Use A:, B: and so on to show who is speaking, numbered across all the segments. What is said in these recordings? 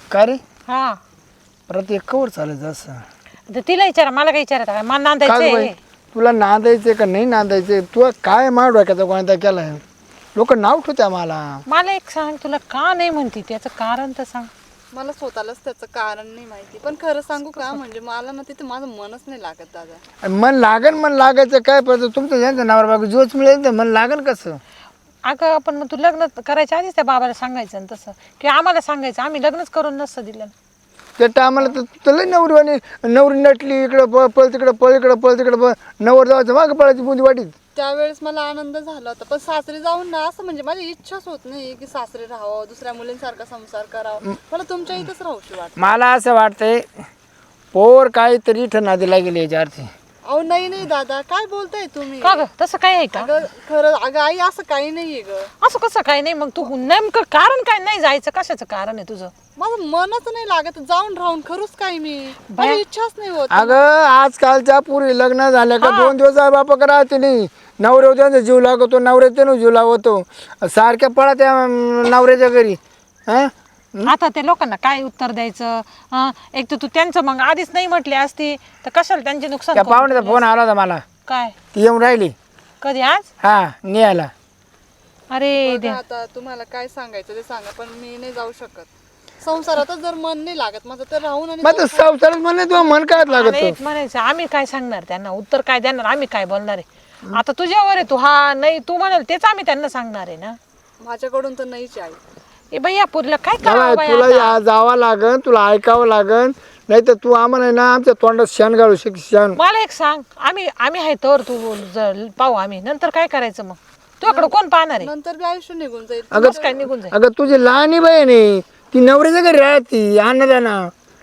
A: का रे
B: हा
A: परत एक कवर चालायचं असं
B: तर तिला विचारा, मला काय विचारत आहे? मला
A: काय बाई
B: नांदायचंय.
A: तुला नांदायचे का नाही नांदायचे तू काय मार डोक्याचा कोणता केलाय लोक नाव ठेवत्या मला
B: मला एक सांग, तुला का नाही म्हणती त्याचं कारण तर सांग.
C: मला स्वतःलाच त्याचं कारण नाही माहिती, पण खरं सांगू का, म्हणजे मला ना तिथे माझं मनच नाही लागत दादा.
A: आणि मन लागायचं काय पडतं तुमचं ज्यांचं नावर बाबा जोच मिळेल तर मन लागेल कसं
B: अगं आपण मग तू लग्न करायच्या आधीच त्या बाबाला सांगायचं ना तसं, किंवा आम्हाला सांगायचं, आम्ही लग्नच करून नसतं दिलं.
A: त्या टायमाला तर लई नवरी नटली इकडं पळ तिकडं पळ इकडं पळ तिकडं पळ नवर जायचं मागं पळायची बुंदी वाटीत
C: त्यावेळेस मला आनंद झाला होता, पण सासरी जाऊन ना असं म्हणजे माझी इच्छाच होत नाही की सासरी राहावं, दुसऱ्या मुलींसारखा संसार करावा. मला तुमच्या इथंच राहूशी वाटत.
A: मला असं वाटतंय पोर काहीतरी इथं नादीला गेली याच्या अर्थी
C: अहो नाही दादा, काय बोलताय तुम्ही?
B: का ग तसं काय आहे का?
C: अगं खरं, अगं आई असं काही नाहीये ग.
B: असं कसं काय नाही? मग तू नेमकं कारण काय नाही जायचं? कशाचं कारण आहे तुझं?
C: माझं मनच नाही लागत जाऊन राहून, खरंच काय मी माझी इच्छाच नाही होत.
A: अगं आजकालच्या पुरी लग्न झाल्या का 2 दिवस आई बापा राहते नाही नवऱ्या त्यांचा जीव लागतो नवऱ्या त्यानं जीव लावतो सारख्या पळा त्या नवऱ्याच्या घरी हा
B: आता त्या लोकांना काय उत्तर द्यायचं? एक तर तू त्यांचं मग आधीच नाही म्हटली असती तर कशाला त्यांचे नुकसान
A: त्या
B: करून
A: पाहुण्याचा फोन आला होता मला
B: काय
A: ती येऊन राहिली
B: कधी आज?
A: हा नियाला
B: अरे
C: बघा
B: देवा.
C: आता तुम्हाला काय सांगायचं ते सांगा, पण मी नाही जाऊ शकत. संसारातच जर मन नाही लागत माझं तर राहून आणि
A: मग संसारात म्हणलं तुला मन काय लागत
B: अरे एक म्हणायचं, आम्ही काय सांगणार त्यांना? उत्तर काय देणार? आम्ही काय बोलणार आहे? आता तुझ्यावर आहे, तू हा नाही तू म्हणाल तेच आम्ही त्यांना सांगणार आहे ना.
C: माझ्याकडून तर नाहीच आहे.
B: ए बाई या पुरीला काय
A: तेव्हा
B: करावं बाई
A: तुला
B: आता?
A: जावं लागन तुला ऐकावं लागन नाही तर तू आम्हाला ना आमच्या तोंडात शेण घालू शेण
B: मला एक सांग, आम्ही आहे तर तू पाहू आम्ही नंतर काय करायचं मग? तुझ्याकडे कोण पाहणार आहे?
C: नंतर बी आयुष्य निघून जाईल.
B: कसं काय निघून जाईल?
A: अगं तुझी लहानी बहीण आहे ती नवऱ्याच्या घरी राहती अन्नदाना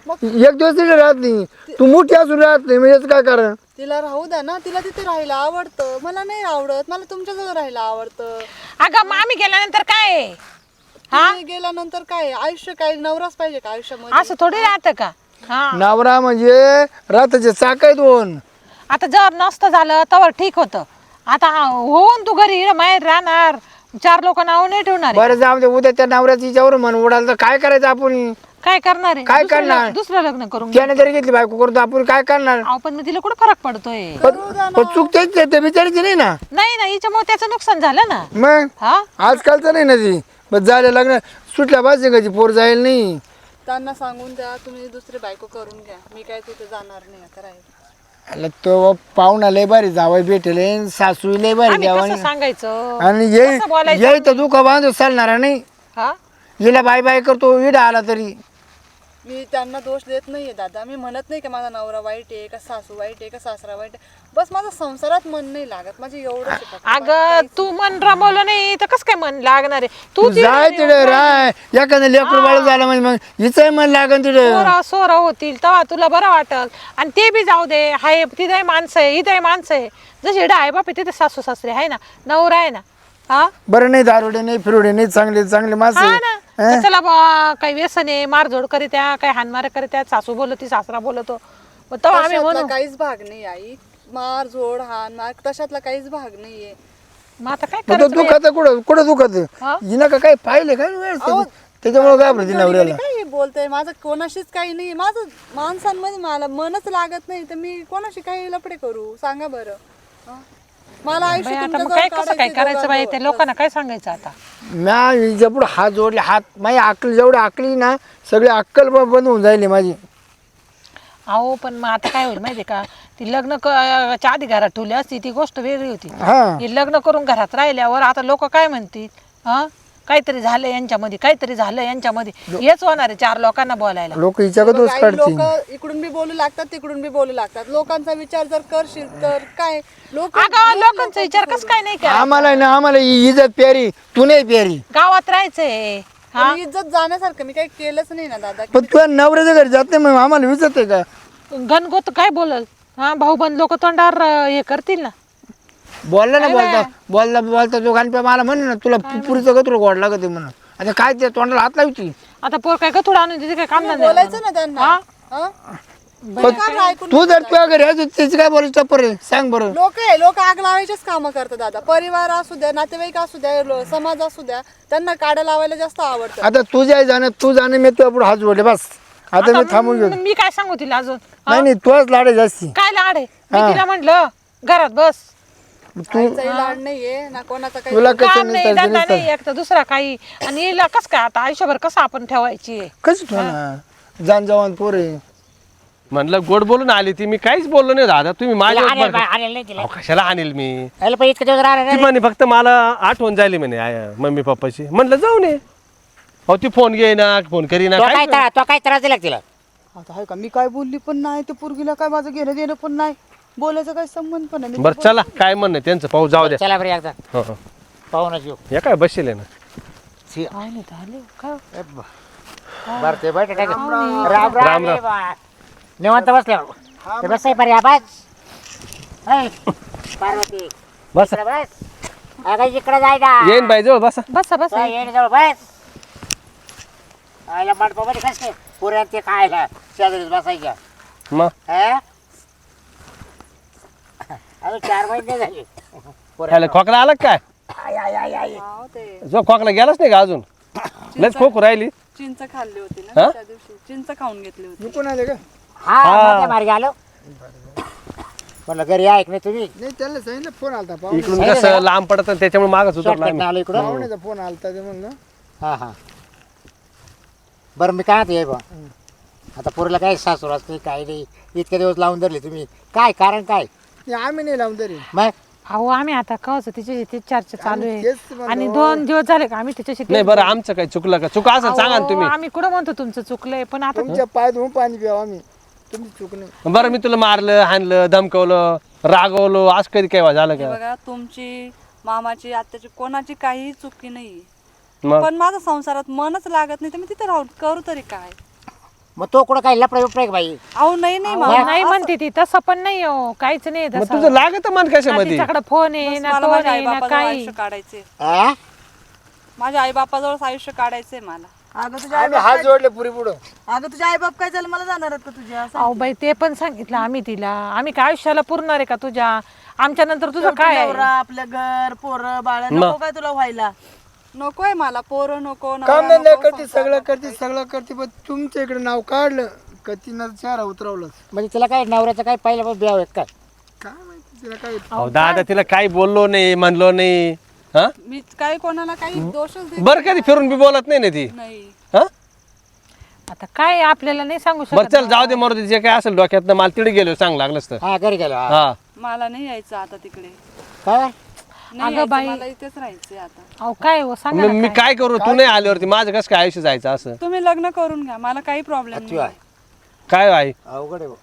A: एक दिवस तिथे राहत नाही तू मोठी असून राहत नाही म्हणजे काय कारण
C: तिला राहू द्या ना, तिला तिथे राहायला आवडतं, मला नाही आवडत. मला तुमच्याजवळ राहायला आवडतं.
B: अगं मग आम्ही गेल्यानंतर काय आहे?
C: तुम्ही गेल्यानंतर काय आयुष्य, काय नवराच पाहिजे का आयुष्यामध्ये?
B: असं थोडी राहतं का? हा
A: नवरा म्हणजे राताचे चाक आहेत दोन
B: आता जर नसतं झालं तर ठीक होतं. आता होऊन तू घरी माहेर राहणार, 4 लोक नाव नाही ठेवणार आहे.
A: बरं जाऊ दे उद्या त्या नवऱ्याची हिच्यावर मन उडाल तर काय करायचं आपण
B: काय करणार आहे?
A: काय
B: दुसरं
A: करणार?
B: दुसरं लग्न करून घे.
A: त्याने जरी घेतली बायको करतो आपण काय करणार
B: अहो पण मग तिला कुठं फरक पडतोय?
A: पण चूक तेच आहे, ते बिचारायची नाही ना
B: नाही ना, हिच्यामुळे त्याचं नुकसान झालं ना.
A: मग
B: हा
A: आजकालचं नाही ना ती बस झालं लग्न सुटल्या बाजूची पोर जाईल नाही
C: त्यांना सांगून द्या तुम्ही दुसरी बायको करून घ्या, मी काय तिथे जाणार नाही आता राहायला.
A: अला तो पाहुणा लय भारी जावई भेटेल सासू लय भारी
B: आम्ही
A: द्यावा
B: कसं सांगायचं?
A: आणि
B: कसं बोलायचं
A: ये तर दुःख बांधू चालणार नाही
B: हा
A: हिला बाय बाय करतो इडा आला तरी
C: मी त्यांना दोष देत नाहीये दादा. मी म्हणत नाही की माझा नवरा वाईट आहे का सासू वाईट आहे का सासरा वाईट आहे. बस माझं संसारात मन नाही लागत, माझे एवढंच आहे फक्त.
B: अगं तू मन रमवलं नाही तर कसं काय मन लागणार आहे? तू
A: जाय तिकडे राय एखादं लेकरू बाळ झालं म्हणजे मग हिचं मन लागन तिकडे
B: सोरा होतील तेव्हा तुला बरं वाटल. आणि ते बी जाऊ दे, हाय तिथे माणसं आहे इथे माणसं आहे. जशी इकडे आहे बाप तिथे सासू सासरे आहे ना, नवरा आहे ना. हा
A: बरं नाही दारुडे नाही फिरुडे नाही चांगले चांगले माणसं
B: हा
A: आहे.
B: ना, चला बा काही व्यसन आहे, मारझोड करीत्या, काही हानमार करीत्या, सासू बोलती सासरा बोलतो, मग तेव्हा आम्ही
C: तशातला
B: म्हणू
C: काहीच भाग नाही आई. मार झोड हान मार तशातला काहीच भाग नाहीये.
B: मग आता काय
A: मग तो
B: करायचं बाई?
A: दुखात कुठं दुखत
B: हा?
A: हिनं का काही पाहिले काय त्याच्यामुळे घाबरते नवऱ्याला
C: काय हे बोलतोय? माझं कोणाशीच काही नाही. माझं माणसांमध्ये मला मनच लागत नाही, तर मी कोणाशी काही लपडे करू सांगा बरं? हा? मला आयुष्य
B: बाई, आता मग
C: तुमच्याजवळ
B: काय कसं काय
C: काढायचंय
B: करायचं बाई? त्या
C: दोघांजवळ.
B: लोकांना काय सांगायचं आता?
A: म्या हिच्या पुढे हात जोडले हात माझी अक्कल जेवढी अकली ना सगळी अक्कल बंद होऊन जाईल माझी
B: अहो पण मग आता काय होईल माहिती का? ती लग्न च्या आधी घरात ठेवली असती ती गोष्ट वेगळी होती.
A: हा
B: हे लग्न करून घरात राहिल्यावर आता लोक काय म्हणतील? हा काहीतरी झालं यांच्यामध्ये, काहीतरी झालं यांच्यामध्ये, हेच होणार आहे 4 लोकांना बोलायला.
A: लोक हिच्याकडे दोष
C: काही
A: काढतील
C: लोक इकडून बी बोलू लागतात तिकडून बी बोलू लागतात. लोकांचा विचार जर करशील तर काय लोक
B: अगं लोकांचा विचार कसं काय नाही करा?
A: आम्हाला इज्जत प्यारी तू नाही प्यारी
B: गावात राहायचंय.
C: आणि इज्जत जाण्यासारखं मी काही केलंच नाही ना दादा.
A: पण तुझ्या नवऱ्याच्या घरी जात नाही मग आम्हाला विचारते का
B: घनगोत काय बोलल? हा भाऊबंद लोक तोंडावर हे करतील ना.
A: बोलला ना बोलता तो घालप्या मला म्हणे ना तुला पुरीचं गत्र गोड लागत आहे म्हणून आता काय ते तोंडाला हात लावची
B: आता पोर काय का थोडं आणून तिथे काय काम धंदा
C: बोलायचं ना त्यांना.
B: हा?
C: हा?
A: तू जर तुझ्या घरी आहे त्याची काय बोलायचं टप्पर आहे सांग बरं.
C: लोक आग लावायचेच कामं करतात दादा. परिवार असू द्या, नातेवाईक असू द्या, समाज असू द्या, त्यांना काड्या लावायला जास्त आवडतं.
A: आता तुझ्या जाणं तू जाणं मी तुझ्या पुढे हात जोडले बस. आता मी थांबून घेतो.
B: मी काय सांगू तिला अजून?
A: नाही नाही तुझ्याच लाड आहे जास्ती.
B: काय लाड आहे? मी तिला म्हंटल घरात बस,
C: आईचाही लाड नाहीये ना कोणाचा काही.
A: तुला
B: काम
A: कसं
B: नाही धंदा नाही एक तर दुसरा काही. आणि हिला कस काय आता आयुष्यभर कसं आपण ठेवायची?
A: कसं ठेवणार जाण जवान पोरे.
D: म्हणलं गोड बोलून आली ती, मी काहीच बोललो नाही दादा. तुम्ही माझ्या
E: आणेल नाही तिला
D: कशाला आणेल मी?
E: याला पण इतकं दिवस राहणार
D: ती
E: नाही.
D: म्हणे फक्त मला आठवण झाली म्हणे मम्मी पप्पाची. म्हणलं जाऊन ये. अहो ती फोन घे ना, फोन करी ना,
E: तो काय त्रास दिला का तिला?
C: आता आहे का मी काय बोलली पण नाही, ते पोरगीला काय माझं घेणं देणं पण नाही, बोलायचं काही संबंध पण नाही.
D: बरं चला काय म्हणणं त्यांचं पाहू, जाऊ द्या.
E: चला बरं एकदा
D: हो, हो.
E: पाहूनच येऊ.
D: या काय बसेल ना.
B: काय नाही झाले का?
E: बरं ते बैठ टाक. राम
D: राम,
E: राम
D: राम.
E: रे बा. निवांत बसल्यावर ते बस पर्या बस. ऐ, पार्वती
D: बस
E: इकडं बस. अगं इकडे जाय ना.
D: येईन बाई जवळ बसा.
B: बसा बसा.
E: जाय, येणे जवळ बस. आयला मंडपामध्ये कसं पुऱ्या ते खायला शेजारीच बसायच्या.
D: मग
E: हा? अजून 4 महिने झाले.
D: त्याला खोकला आला का काय?
E: आय, आय, आय, आय.
C: हाव, ते
D: जो खोकला गेलाच नाही का अजून? लस खोकू राहिली.
C: चिंच खाल्ली होती
D: हा?
C: ना त्या दिवशी, चिंच खाऊन घेतली होती.
A: मी कोण आले का
E: हा माझ्या मार्गे आलो. म्हणलं घरी ऐक नाही तुम्ही.
A: नाही त्याला सांगितलं फोन आलता
D: इकडून कसं लांब पडत त्याच्यामुळे मागच उतरला
E: शॉर्टकट
D: आम्ही.
E: आलो इकडं.
A: पाहुण्याचा फोन आलता ते म्हणलं.
E: हा हा बरं मी काय म्हणतो बा, आता पोरीला काय सासूर असते काय नाही, इतके दिवस लावून धरले तुम्ही, काय कारण काय?
A: नाही, आम्ही नाही लावून तरी.
E: मग
B: अहो आम्ही आता कवच तिच्याशी ते चर्चा चालू
A: आम्ही
B: आहे.
A: तेच म्हणतो.
B: आणि 2 दिवस झाले का आम्ही तिच्याशी
D: नाही बरं आमचं काही चुकलं का? चुका असं सांगा ना
B: अहो,
D: तुम्ही.
B: आम्ही कुठं म्हणतो तुमचं चुकलंय, पण आता
A: तुमच्या पाय धुवून पाणी प्यावं आम्ही. तुम्ही चूक नाही.
D: बरं मी तुला मारलं, हाणलं, धमकवलं, रागवलं, आज कधी काय झालं
C: हे
D: का?
C: बघा तुमची, मामाची, आत्याची कोणाची काहीही चुकी नाही,
D: मग
C: पण माझं संसारात मनच लागत नाही तर मी तिथे राहून करू तरी काय?
E: मग तो कुठं काय लपडा बिपडा बाई?
C: अहो नाही नाही
B: अहो,
C: मामा,
B: नाही म्हणते ती तसं पण नाही हो, काहीच नाही
D: मग
B: तसं.
D: तुझं लागत मन
B: ना
D: कशामध्ये?
B: तिच्याकडे फोन आहे
C: बस
B: ना
C: मला
B: टोन
C: माझ्या
B: आहे ना
C: आईबापाजवळ
B: काही.
C: आयुष्य काढायचे,
E: हा?
C: माझ्या आईबापाजवळच आयुष्य काढायचंय मला.
A: आम्ही हात जोडले पुरी पुढं.
C: अगं तुझ्या आईबाप काय झालं मला जाणार आहेत का तुझ्या?
B: अहो बाई ते पण सांगितलं आम्ही तिला, आम्ही काय आयुष्याला पुरणार आहे का तुझ्या? आमच्या नंतर तुझं काय आहे?
C: आपलं घर पोरं बाळ नको काय तुला व्हायला? नकोय मला पोरं नको, नवरा
A: काम नाही
C: नको,
A: करते, सगळं करते पण तुमच्या इकडे नाव काढलं का तिनं चेहरा उतरवलं.
E: म्हणजे तिला काय नवऱ्याचं काय पहिलं ब्याव आहेत काय?
A: काय माहिती तिला काय.
D: अहो दादा तिला काही बोललो नाही, म्हणलो नाही. हा
C: मी काही कोणाला काही दोषच देत
D: बरं कधी फिरून बी बोलत नाही ना ती.
C: नाही.
D: हा
B: आता काय आपल्याला नाही सांगू
D: बरं
B: शकत.
D: चल जाऊ दे मरू दे, जे काय असेल डोक्यात मला तिकडे गेलो सांग लागलंच तर.
E: हा घरी गेलो. हा.
D: हा
C: मला नाही यायचं आता तिकडे,
E: काय?
C: नाही
B: अगं
C: यायचं,
B: बाई.
C: मला इथेच राहायचंय आता.
B: अहो काय हो सांगा
D: मग
B: ना
D: मी
B: काय?
D: काय करू? तू नाही आल्यावरती माझं कसं काय आयुष्य जायचं असं?
C: तुम्ही लग्न करून घ्या, मला काही प्रॉब्लेम
E: अति
C: नाही.
E: आहे.
D: काय आहे?
E: अवघड आहे बुवा.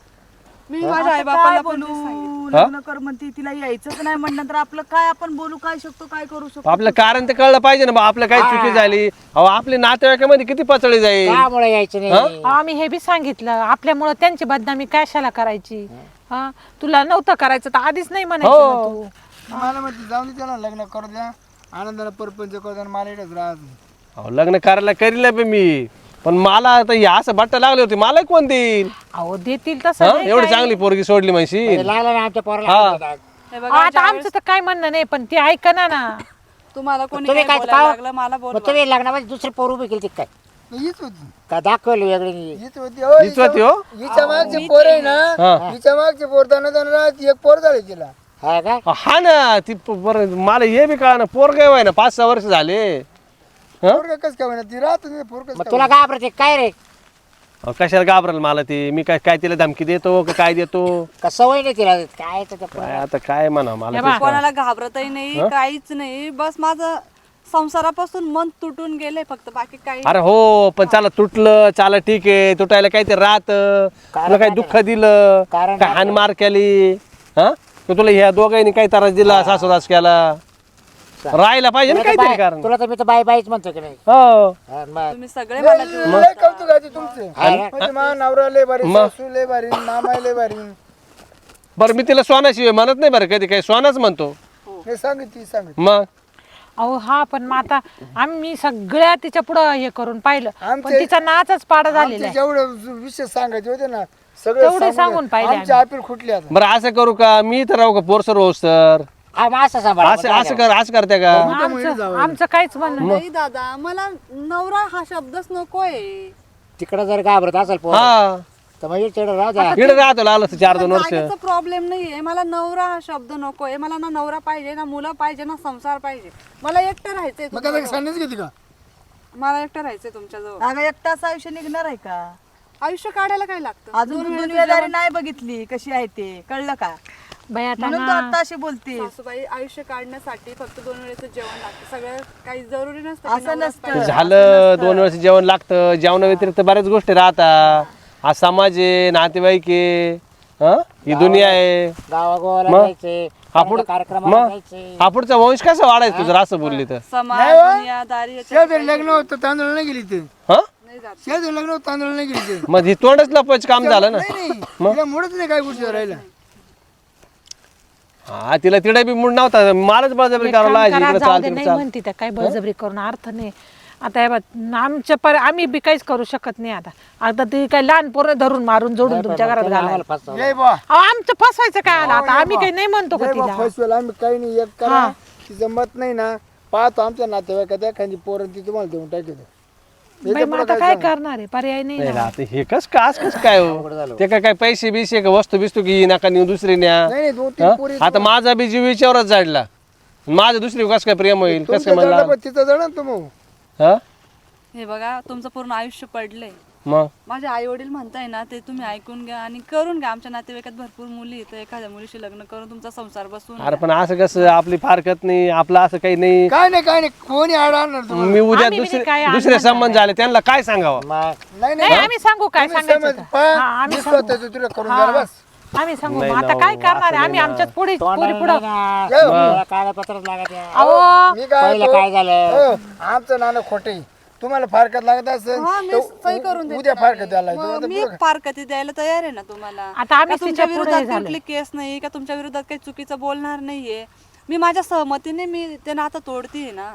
C: मी माझ्या आई बापाला पण तेच सांगितलं.
D: हा?
F: लग्न कर म्हणते तिला यायचंच नाही म्हणलं तर आपलं काय आपण बोलू काय शकतो काय करू शकतो
D: आपलं कारण ते कळलं पाहिजे ना बा, आपलं काही चुकी झाली. अहो आपले नातेवाईकामध्ये किती पचळी जाईल.
E: त्यामुळे यायचं नाही.
B: अहो, आम्ही हे बी सांगितलं आपल्यामुळं त्यांची बदनामी कशाला करायची? हा तुला नव्हतं करायचं तर आधीच नाही म्हणायचं ना तू.
A: मला म्हणते जाऊन दे त्याला लग्न करू द्या, आनंदाला परपंच करू द्या, मला इकडेच राहत.
D: अहो लग्न करायला करील बे मी, पण मला आता हे असं बट्ट लागले होते, मला कोण देईल?
B: अहो देतील तसं
D: हा
B: नाही
D: एवढी
B: काही.
D: चांगली पोरगी सोडली म्हणशील.
E: म्हणजे लागलं ना आमच्या
D: हा.
E: पोराला.
C: हे
B: अहो,
C: बघा
B: आता आमचं तर काय म्हणणं नाही पण ती ऐकना ना.
C: तुम्हाला कोणी
E: तुम्ही
C: काही
E: काय
C: बोलायला
E: का?
C: लागलं मला
E: मग
C: बोलवा.
E: तुम्ही लग्नामध्ये दुसरी पोर उभी केली काय?
A: हीच होती
E: का दाखवली वेगळी?
A: हीच होती हो,
D: हीच होती हो?
A: हिच्या मागचे पोर आहे ना,
D: हा.
A: हिच्या मागचे पोर दाना राहत एक पोर झाले तिला.
E: हा का?
D: हा ना ती बरं मला हे बी कळा ना, पोर काय व्हाय ना 5-6 वर्ष झाले. हा?
A: पोर कस काय म्हणा ती राहत नाही पोर कस
E: मग तुला घाबरते काय रे?
D: अहो, कशाला घाबरल मला ती? मी काय काय तिला धमकी देतो का काय देतो?
E: का सवय नाही तिला? काय त्याच्या
D: काय आता काय म्हणा मला
B: हे
D: तेच कळा.
C: कोणाला घाबरतही नाही, काहीच नाही. बस माझं संसारापासून मन तुटून गेलंय फक्त, बाकी काही
D: अरे हो पण चला तुटलं चाला ठीक आहे, तुटायला काहीतरी राहत. तुला काही दुःख दिलं
E: कारण
D: काय हानमार केली? हा तर तुला ह्या दोघांनी काही त्रास दिला, सासूरास केला, राहायला पाहिजे ना
E: तुला तर
D: काहीतरी
E: बाय-
D: कारण.
E: तुला तर मी तर बाय बाईच म्हणतो की नाही.
D: हो
E: हा, मग.
C: तुम्ही सगळे मला जीव-
A: लय कौतुक आहे तुमचे.
E: हा ना?
A: म्हणजे मा नवरा लय भारी,
D: मग?
A: सासू लय भारी, मामा लय भारी.
D: बरं मी तिला सोनाशिवाय म्हणत नाही बरं, कधी काही सोनाच म्हणतो.
A: हे सांगितली सांगितली.
D: मग
B: अहो हा पण मग आता आम्ही सगळ्या तिच्या पुढं हे करून पाहिलं पण
A: आमचे-
B: तिचा नाचच पाडा झालेला आहे.
A: जेवढं विषय सांगायचे होते ना सगळे
B: तेवढे सांगून पाहिले
A: आमची अपील खुटली आता.
D: बरं असं करू का मी तर राहू का पोरसर होस तर
E: हा मग असं सांभाळा
D: असं करते का
B: आमचं काहीच म्हणणं नाही.
C: नाही दादा मला नवरा हा शब्दच नकोय.
E: तिकडं जर घाबरत असेल पोर
D: हा
E: तर मग तिकडं राहू द्या.
D: इकडे राहतो आलं 4-2 वर्ष
C: जागेचा प्रॉब्लेम नाहीये. मला नवरा हा शब्द नकोय. मला ना नवरा पाहिजे ना मुलं पाहिजे ना संसार पाहिजे. मला एकटं राहायचंय
A: मग काय
C: तुमच्याजवळ.
A: सांगण्याच घेते का
C: मला एकटं राहायचंय तुमच्याजवळ.
F: अगं एकटाच आयुष्य निघणार आहे का?
C: आयुष्य काढायला काय लागतं?
F: अजून तू दुनियादारी नाही बघितली कशी आहे ते, कळलं का?
B: बाई आता
F: म्हणून तू आता अशी बोलते.
C: सासूबाई आयुष्य काढण्यासाठी फक्त 2 वेळेचं जेवण लागतं. सगळं काही जरुरी नसतं की
F: असं
C: नवराच
F: नसतं.
C: पाहिजे.
D: झालं 2 वर्ष जेवण लागतं. जेवणा व्यतिरिक्त बऱ्याच गोष्टी राहतात. हा समाज आहे, नातेवाईक आहे, हा ही दुनिया आहे.
E: गावागोवाला
D: मग?
E: जायचे
D: हापुड
E: कार्यक्रमाला
D: मग
E: जायचे.
D: हापुडचा वंश कसा वाढायचा तुझं असं बोलली तर
C: समाज दुनियादारी याच्यात
A: शेजारी लग्न होतं तांदूळ नाही गेली ते
D: हा
C: नाही जात.
A: शेजारी लग्न होतं तांदूळ नाही गेली ते
D: मग ही तोंडच लपवायचं काम झालं ना.
A: नाही तिला मुळच नाही काय गोष्टी राहिला
D: हा तिला तिडे बी मूड नव्हता. मलाच बळजबरी
B: एक
D: करावं
B: काम
D: लागायची.
B: करा,
D: इकडे
B: जाऊ
D: चाल
B: दे,
D: तिकडे
B: नाही
D: चाल.
B: म्हणते त्या काही बळजबरी करून अर्थ नाही. आता हे बघ, आम्ही बी काहीच करू शकत नाही. आता ती काही लहान पोरं धरून मारून जोडून तुमच्या घरात घालायला.
E: आम्हाला फसवलं.
A: जय बा
B: अहो, आमचं फसवायचं काय आलं आता? आम्ही काही नाही म्हणतो का
A: जय बा
B: तिला.
A: फसवेल आम्ही काही नाही एक करा तिचं मत नाही ना पाहतो आमच्या नातेवाईकात एखादी पोरं ती तुम्हाला देऊन टाकतो
B: बाई, मग आता काय करणार आहे? पर्याय नाही
D: नाही
B: ना.
D: राहते हे कस काय हो ते काय पैसे बिसे का वस्तू बिस्तू की नका नेऊ दुसरी न्या.
A: नाही नाही 2-3
D: हा?
A: पोरी
D: आता माझा बी जीव विचारच जाडला. माझं दुसरी कस काय प्रेम होईल कस काय
A: तुमचं
D: म्हणला
A: जळलं पण तिचं जळ ना मग
D: हा
C: हे बघा तुमचं पूर्ण आयुष्य पडलंय.
D: मग
C: माझे आई वडील म्हणताय ना ते तुम्ही ऐकून घ्या आणि करून घ्या. आमच्या नातेवाईकात भरपूर मुली आहेत. एखाद्या मुलीशी लग्न करून तुमचा संसार बसवून
D: अरे पण असं कसं आपली फारकत नाही आपलं असं काही नाही.
A: काय नाही कोणी आड आणणार तुम्हाला
D: मी उद्या
B: आम्ही बी काय
D: दुसरे संबंध झाले त्यांना काय सांगावं.
E: मग
A: नाही
B: नाही आम्ही सांगू काय सांगायचं
A: समज
B: का?
A: पहा,
B: हा, आम्ही
A: मी
B: सांगू.
A: स्वतःचं तुला करून द्याल बस
B: आम्ही सांगू
D: नाही
B: मग आता
D: ना,
B: काय
D: हो,
B: करणार आहे?
D: असं
B: आम्ही
D: नाही
B: आमच्याच पुढे
E: तोंडाला
B: पुढं
E: नाही ना. कागदपत्रच लागत आहे.
B: अहो
A: मी काय
E: पहिलं
A: म्हणतो,
E: काय झालं?
A: आमचं नाणं खोटे तुम्हाला फारकत लागत असेल
C: हा, मी सही करून
A: तर
C: देते
A: उद्या
C: ना
A: फारकत
C: मी.
A: द्यायला
C: मग मी फारकती द्यायला तयार आहे ना तुम्हाला.
B: आता आम्ही
C: का तुमच्या
B: तिच्या पुढे
C: विरोधात
B: झालोय.
C: कुठली केस नाही का तुमच्या विरोधात काही चुकीचं बोलणार नाहीये. मी माझ्या सहमतीने मी ते नातं तोडतीये ना.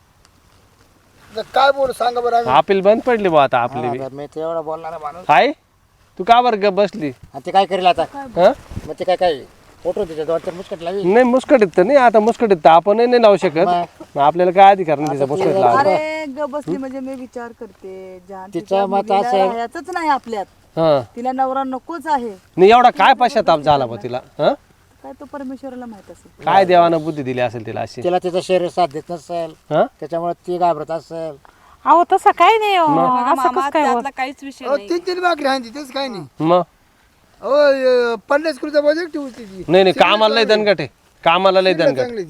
A: काय बोलू सांगा बरं आम्ही
D: आपली बंद पडली बा आता आपली बी.
E: हा, मी ते एवढं बोलणार माणूस
D: आहे तू का बरं गप बसली
E: आणि ते काय करेल आता
D: हा
E: मग ते काय फोटो तिच्या 2-4 मुस्कट लावी
D: नाही मुस्कटीत तर नाही आता मुस्कटीत तर आपणही नाही लावू शकत. मग आपल्याला काय अधिकार नाही तिचा मुस्कट लावा.
F: अरे ग बसली म्हणजे मी विचार करते जान
E: तिचं
F: तिच्या
E: मत
F: मुलीला
E: असेल.
F: राहायचंच नाही आपल्यात.
D: हा
F: तिला नवरा नकोच आहे.
D: नाही एवढा काय पश्चाताप झाला बा तिला. हा
F: काय तो परमेश्वराला माहित असेल.
D: काय देवानं बुद्धी दिली असेल तिला अशी.
E: तिला तिचं शरीर साथ देत नसेल
D: हा
E: त्याच्यामुळे ती घाबरत असेल.
B: अहो तसं काही नाही हो.
C: बघा
B: असं
C: मामा
B: कसं काय होत?
C: त्यातला काहीच विषय
A: अहो,
C: नाही.
A: 3 भाकरी हांची तेच काय नाही
D: मग
A: अहो 50 किलोचा बजेट ठेवू तिची
D: नाही कामाला लय दणकट आहे. कामाला लय दणकट.
A: चांगली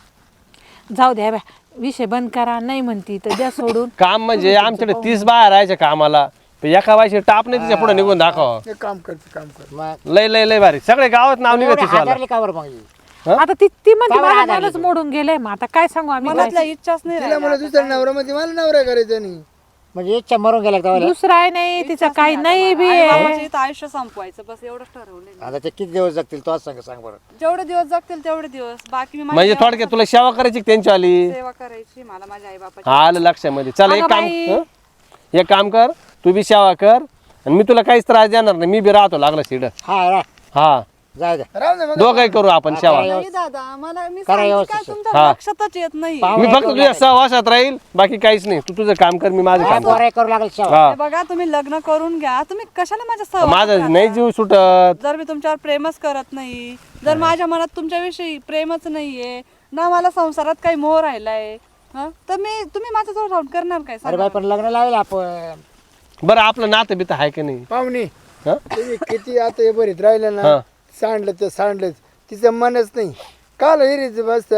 A: तिचं
B: जाऊ द्या बाय विषय बंद करा. नाही म्हणती तर द्या सोडून.
D: काम म्हणजे आमच्याकडे 30 बाया राहायच्या कामाला पण एका बायची टाप नाही तिच्या पुढे निघून दाखवा.
A: एक काम कर
E: मग
D: लय भारी सगळे गावात नाव निघत
E: एवढे
D: तिचं
E: हादरले का बरं मग ही?
B: आता ती म्हणते
E: पावर
B: माझं
E: आधारली
B: मनच मोडून गेलंय. मग आता काय सांगू आम्ही?
C: मनातल्या इच्छाच नाही
A: तिला मला दुसऱ्या नवरा मध्ये मला नवरा करायचा नाही
E: म्हणजे इच्छा मरून गेल्या का तेव्हा?
B: दुसरा आहे नाही तिचं काही नाही बी आहे.
C: बाबाच्या इथं आयुष्य संपवायचं बस एवढंच ठरवलंय.
E: आता ते किती दिवस जगतील तो सांग बरं.
C: जेवढे दिवस जगतील तेवढे दिवस बाकी मी माझी
D: म्हणजे थोडक्यात तुला सेवा करायची का त्यांची आली.
C: सेवा करायची मला माझ्या आई बापाची.
D: आलं लक्षामध्ये. चल एक
B: अगं
D: काम
B: बाई.
D: हं? एक काम कर तू बी सेवा कर आणि मी तुला काहीच त्रास देणार नाही. मी बी राहतो लागला सीड. हा
E: जाऊ द्या
A: राहू दे मग
D: दोघंही करू आपण सेवा.
C: नाही दादा मला मी
E: करा
C: सांगते
E: व्यवस्थित.
C: काय तुमच्या लक्षातच येत नाही.
D: मी फक्त तुझ्या सहवासात राहील बाकी काहीच नाही. तू तुझं काम कर मी माझं काम
E: पोरं करू लागेल शेवा.
D: हा
C: हे बघा तुम्ही लग्न करून घ्या. तुम्ही कशाला माझ्या सहवासात
D: माझं
C: राहता?
D: नाही जीव सुटत.
C: जर मी तुमच्यावर प्रेमच करत नाही जर माझ्या मनात तुमच्याविषयी प्रेमच नाहीये ना मला संसारात काही मोह राहिलाय हं, तर तुम्ही माझ्याजवळ राहून करणार काय
E: अरे
C: सांगा?
E: बाई पण लग्न लावेल आपण.
D: बरं आपलं नातं बितं आहे का नाही.
A: पाहुणे
D: हं?
A: तुम्ही किती आता हे बरीत राहिलं ना
D: हा.
A: सांडलं तर सांडलंच तिचं मनच नाही काल हिरीच बस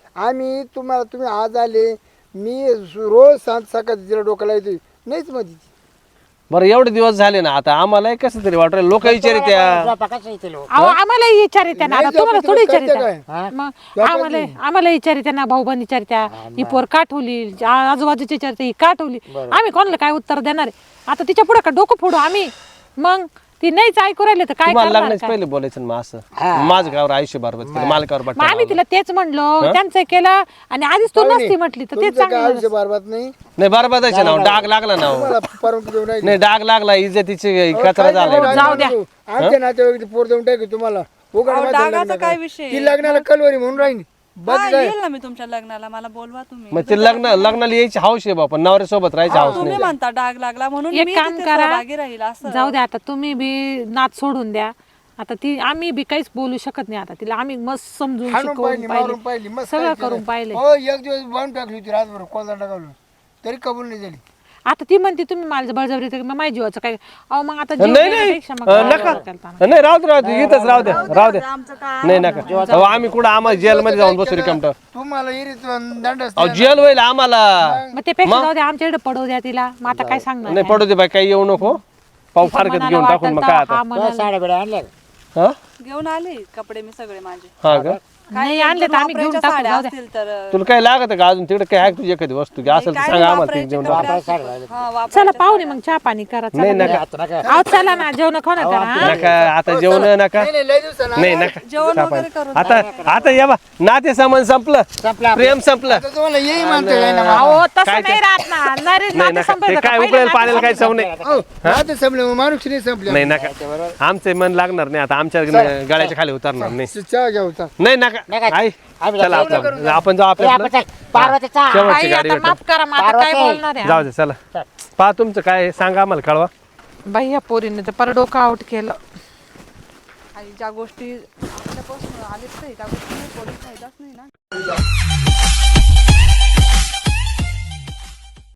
A: तुम्ही आज आले मी रोज सकाळ तिला डोकं लावतो नाहीच मग तिची
D: बरं एवढे दिवस झाले ना आता आम्हाला कसं तरी वाटलं लोक विचारित्या.
E: झोपा कसं येते लोक?
B: अहो आम्हाला विचारित्या ना. आता
A: नाही
B: तुम्हाला
A: झोपत
B: थोडी
A: करते
B: विचारित्या.
A: काय?
E: हा?
B: मग आम्हाला विचारित्या ना. भाऊ बहीण विचारत्या ही पोर का ठेवली. आजूबाजूची विचारते ही का ठेवली. आम्ही कोणाला काय उत्तर देणार आहे? आता तिच्या पुढे का डोकं फोडू आम्ही? मग ती नाहीच ऐकू राहिले तर काय
D: तुम्हाला
B: करणार
D: लग्नाच्या
B: काय?
D: पहिले बोलायचं ना मग असं माझं गावर आयुष्य बरबाद केलं मालकावर
B: मग आम्ही
D: बट्टा
B: तिला तेच म्हणलो त्यांचं केलं आणि आधीच तू नसती म्हटली तर तेच
A: तुमचं काय
B: चांगलं
A: आयुष्य बरबाद नाही
D: नाही बरबादाचे नाव डाग लागला ना
A: मला परवानगी देऊन राहिली.
D: नाही डाग लागला इज्जतीची कचरा
A: काय
D: झाला
A: नाही,
B: जाऊ द्या.
A: आमच्या नातेवाईक पोर देऊन टाकू तुम्हाला उघड
C: अहो,
A: माझं
C: डागाचा
A: लग्न
C: काय
A: करा.
C: विषय?
A: ती लग्नाला कलवरी म्हणून राहील बस
C: हा,
A: काय
C: येईल ना मी तुमच्या लग्नाला, मला बोलवा तुम्ही.
D: मग ते लग्नाला यायची हौस आहे बापा नवऱ्यासोबत राहायची हौस
C: तुम्ही
D: नाही
C: म्हणता डाग लागला म्हणून
B: एक
C: मी
B: काम
C: तिथे
B: करा
C: सहभागी राहील असं.
B: जाऊ द्या आता तुम्ही बी नाच सोडून द्या आता ती आम्ही बी काहीच बोलू शकत नाही आता तिला आम्ही मस्त समजून
A: हाणून
B: शिकवून
A: पाहिली मारून
B: पाहिले
A: पाहिली मस्त
B: सगळं
A: काय
B: करून
A: केलं.
B: पाहिले
A: हो एक दिवस बांधून टाकली होती रातभर कोलदा टाकवलं तरी कबूल नाही झाली
B: आता ती म्हणते तुम्ही मला बळजबरी तर मग माझ्या जीवाचं काय अहो मग आता जीव
D: नाही
B: देण्यापेक्षा मग
D: नाही
B: काय
D: नका
B: करता?
D: नाही राहू दे इथंच राहू दे
F: आमचं काय
D: नाही नका अहो, आम्ही कुठं आम्हाला जेलमध्ये जाऊन बसू रिकामट
A: तुम्हाला इरीत दंड
D: अहो जेल होईल आम्हाला
B: मग ते पेक्षा जाऊ द्या आमच्याकडे पडू द्या तिला मग आता काय सांगणार
D: नाही पडू दे बाई काही येऊ नको पाऊ फारकत
B: मनाला
D: घेऊन टाकून
B: वाटेल
D: मग काय
B: तेव्हा
D: आता
B: हा म्हणाल.
E: साड्या बिड्या आणल्या का?
D: हा
C: घेऊन आले कपडे मी सगळे माझे.
D: हा का
B: नाही आणले तर आम्ही घेऊन
C: वापरायच्या
B: टाकू
C: साड्या
B: जाऊ द्या
C: असतील तर
D: तुला काय लागत का अजून तिकडे काय आहे का तुझी एखादी वस्तू घ्या असेल तर
C: काय
D: सांगा
C: नाही,
D: आम्हाला ती
C: वापरायचे
D: घेऊन
C: कपडे
D: टाकू.
E: वापरायच्या
C: असतील.
E: साड्या राहिल्या.
C: हा,
B: चला
C: वापरायच्या
B: पाहुणे मग चहा पाणी करा चला.
D: नाही नका
E: आता नका
B: अहो चला ना जेवण खाऊ ना करा हा?
D: नका आता जेवण नका
A: नाही नाही लय दिवसाला
D: नाही नका
C: जेवण वगैरे करून
D: आता आता या बा नाते सामान संपलं
E: संपला
D: प्रेम संपलं
A: आता तुम्हाला येई म्हणतो काय ना
B: अहो तसं नाही राहत ना
D: नाही
B: नाते
D: नका
B: संपलं
D: ते
B: का?
D: काय
B: पहिलं
D: उकळेल
B: नाते
D: पाण्याला काय चव नाही
A: हो आता संपले माणूस नाही संपले
D: नाही नका आमचे मन लागणार नाही आता आमच्या गळ्याच्या खाली उतरणार नाही
A: चहा घ्या होता
D: नाही नका
E: नका.
D: आई
E: आम्ही
D: चला
E: जाऊ.
D: आपलं आपण जाऊ
E: ए, आपण
D: आपल्या
E: चल, पार्वतीचा
D: शेवटची
B: आई,
D: गाडी
B: आता
D: भेटेल.
B: माफ करा मग आता काय
E: पार्वती.
B: बोलणार आहे
D: जाऊ दे चला पहा तुमचं काय आहे, सांगा आम्हाला कळवा
B: बाई या पोरीने तर पर डोकं आउट केलं
C: आणि ज्या गोष्टी आपल्यापासून आलेच नाही त्या गोष्टी पोलीस फायदाच नाही ना.